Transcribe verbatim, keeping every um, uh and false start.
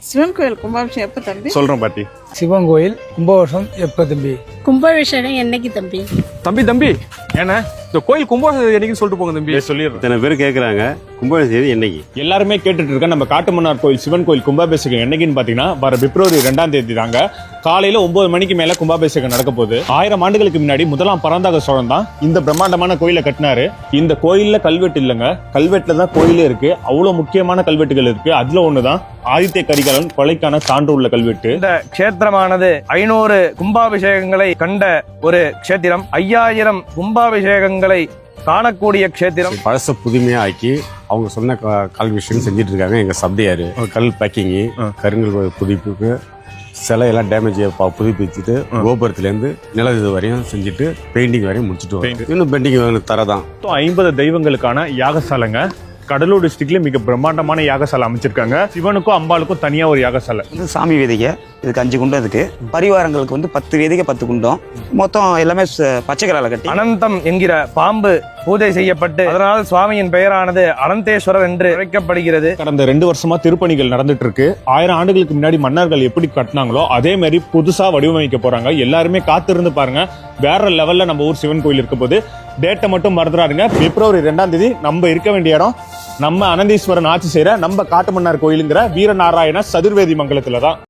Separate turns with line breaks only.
சிவன் கோயில் கும்பாபிஷேகம் எப்ப தம்பி?
சொல்றேன் பாட்டி.
சிவன் கோயில் கும்பாபிஷேகம் எப்ப தம்பி?
கும்பாபிஷேகம் என்னைக்கு தம்பி?
தம்பி தம்பி ஏன்னா இந்த கோயில் கும்பாபிஷேகம் என்னைக்கு சொல்லிட்டு போங்க தம்பி. சொல்லிடுறேன்.
இத்தனை பேர் கேட்குறாங்க கும்பாபிஷேகம் என்னைக்கு?
எல்லாருமே கேட்டுட்டு இருக்க நம்ம காட்டுமன்னார் கோயில் சிவன் கோயில் கும்பாபிஷேகம் என்னைக்குன்னு பாத்தீங்கன்னா வர பிப்ரவரி ரெண்டாம் தேதி தாங்க. காலையில ஒன்பது மணிக்கு மேல கும்பாபிஷேகம் நடக்க போகுது. ஆயிரம் ஆண்டுகளுக்கு முன்னாடி முதலாம் பராந்தக சோழன் தான் இந்த பிரம்மாண்டமான கோயிலை கட்டினாரு. இந்த கோயில்ல கல்வெட்டு இல்லைங்க, கல்வெட்டுல தான் கோயிலே இருக்கு. அவ்வளவு முக்கியமான கல்வெட்டுகள் இருக்கு. அதுல ஒண்ணுதான் ஆதித்ய கரிகாலன் கொலைக்கான சான்று உள்ள கல்வெட்டு.
இந்த கஷேத்திரமானது ஐநூறு கும்பாபிஷேகங்களை கண்ட ஒரு கஷேத்திரம், ஐயாயிரம் கும்பாபிஷேகங்களை காணக்கூடிய கஷேத்திரம்.
பழச புதுமையா ஆக்கி அவங்க சொன்ன கல் விஷயம் செஞ்சுட்டு இருக்காங்க. எங்க சப்தையாரு கல் பேக்கிங்கு, கருங்கல் புதுப்பிப்பு, சிலை எல்லாம் டேமேஜ் புதுப்பிச்சுட்டு கோபுரத்துல இருந்து நிலவு வரையும் செஞ்சுட்டு பெயிண்டிங் வரையும் முடிச்சுட்டு வரோம். இன்னும் பெயிண்டிங் தரதான்.
ஐம்பது தெய்வங்களுக்கான யாகசாலைங்க. கடலூர் டிஸ்ட்ரிக்ட்ல மிக பிரம்மாண்டமான யாகசாலை அமைச்சிருக்காங்க. சிவனுக்கும் அம்பாளுக்கும் தனியா ஒரு யாகசாலை.
சாமி வேதிகை இதுக்கு அஞ்சு குண்டம் இருக்கு. பரிவாரங்களுக்கு வந்து பத்து வேதிகை பத்து குண்டம், மொத்தம் எல்லாமே பச்சை கலர்ல கட்டி.
அனந்தம் என்கிற பாம்பு பூஜை செய்யப்பட்டு அதனால் சுவாமியின் பெயரானது அனந்தேஸ்வரர் என்று அழைக்கப்படுகிறது.
கடந்த ரெண்டு வருஷமா திருப்பணிகள் நடந்துட்டு இருக்கு. ஆயிரம் ஆண்டுகளுக்கு முன்னாடி மன்னர்கள் எப்படி கட்டினாங்களோ அதே மாதிரி புதுசா வடிவமைக்க போறாங்க. எல்லாருமே காத்திருந்து பாருங்க. வேற லெவல்ல நம்ம ஊர் சிவன் கோயில் இருக்க போது. டேட்டை மட்டும் மறந்துடாருங்க. பிப்ரவரி ரெண்டாம் தேதி நம்ம இருக்க வேண்டிய இடம் நம்ம அனந்தீஸ்வரன் ஆட்சி செய்யற நம்ம காட்டுமன்னார் கோயிலுங்கிற வீரநாராயண சதுர்வேதி மங்கலத்துல தான்.